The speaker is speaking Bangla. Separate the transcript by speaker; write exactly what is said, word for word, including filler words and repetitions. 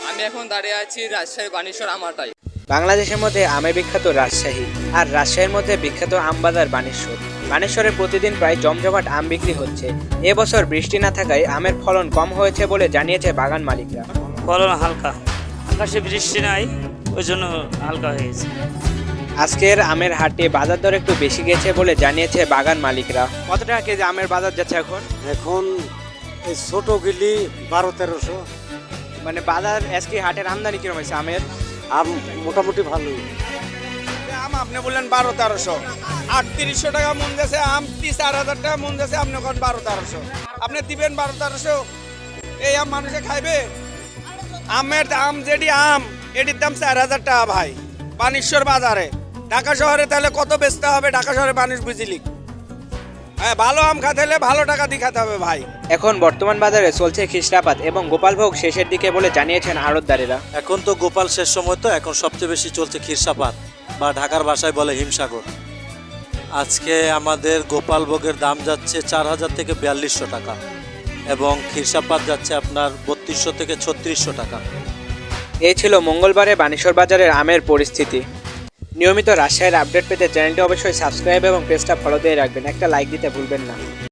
Speaker 1: আমি এখন দাঁড়িয়ে আছি রাজশাহী বানেশ্বর আমারটাই।
Speaker 2: বাংলাদেশের মধ্যে আমে বিখ্যাত রাজশাহী, আর রাজশাহীর মধ্যে বিখ্যাত আমবাজার বানেশ্বর। বানেশ্বরে প্রতিদিন প্রায় জমজমাট আম বিক্রি হচ্ছে। এবছর বৃষ্টি না থাকায় আমের ফলন কম হয়েছে বলে জানিয়েছে বাগান মালিকরা।
Speaker 3: ফলন হালকা, আকাশে বৃষ্টি নাই, ওই জন্য হালকা হয়ে গেছে।
Speaker 2: আজকের আমের হাটে বাজার দর একটু বেশি গেছে বলে জানিয়েছে বাগান মালিকরা। কত টাকা কেজি আমের বাজার যাচ্ছে এখন?
Speaker 4: এখন এই ছোট গিলি বারো তেরোশো।
Speaker 2: মানে বাজার আজকে হাটের আমদানি কিরকম হয়েছে আমের?
Speaker 4: আম মোটামুটি ভালোই।
Speaker 5: আম আপনি বললেন বারো তেরোশো, আটত্রিশশো টাকা মন গেছে আম, তিরিশ চার হাজার টাকা মন গেছে, আপনি এখন বারো তেরোশো। আপনি দিবেন বারো তেরোশো, এই আম মানুষে খাইবে? আমের আম যেটি আম এটির দাম চার হাজার টাকা ভাই বানেশ্বর বাজারে। ঢাকা শহরে তাহলে কত বেচতে হবে? ঢাকা শহরে মানুষ বুঝিলি। হ্যাঁ, ভালো আম খাতে হলে ভালো টাকা দিয়ে খাতে হবে ভাই।
Speaker 2: এখন বর্তমান বাজারে চলছে খিসরাপাত এবং গোপালভোগ শেষের দিকে বলে জানিয়েছেন আড়তদারেরা।
Speaker 6: এখন তো গোপাল শেষ সময়, তো এখন সবচেয়ে বেশি চলছে খিরসাপাত বা ঢাকার ভাষায় বলে হিমসাগর। আজকে আমাদের গোপাল ভোগের দাম যাচ্ছে চার হাজার থেকে বিয়াল্লিশশো টাকা এবং খিরসাপাত যাচ্ছে আপনার বত্রিশশো থেকে ছত্রিশশো টাকা।
Speaker 2: এই ছিল মঙ্গলবারে বানেশ্বর বাজারের আমের পরিস্থিতি। নিয়মিত রাজশাহীর আপডেট পেতে চ্যানেলটি অবশ্যই সাবস্ক্রাইব এবং পেজটা ফলো দিয়ে রাখবেন। একটা লাইক দিতে ভুলবেন না।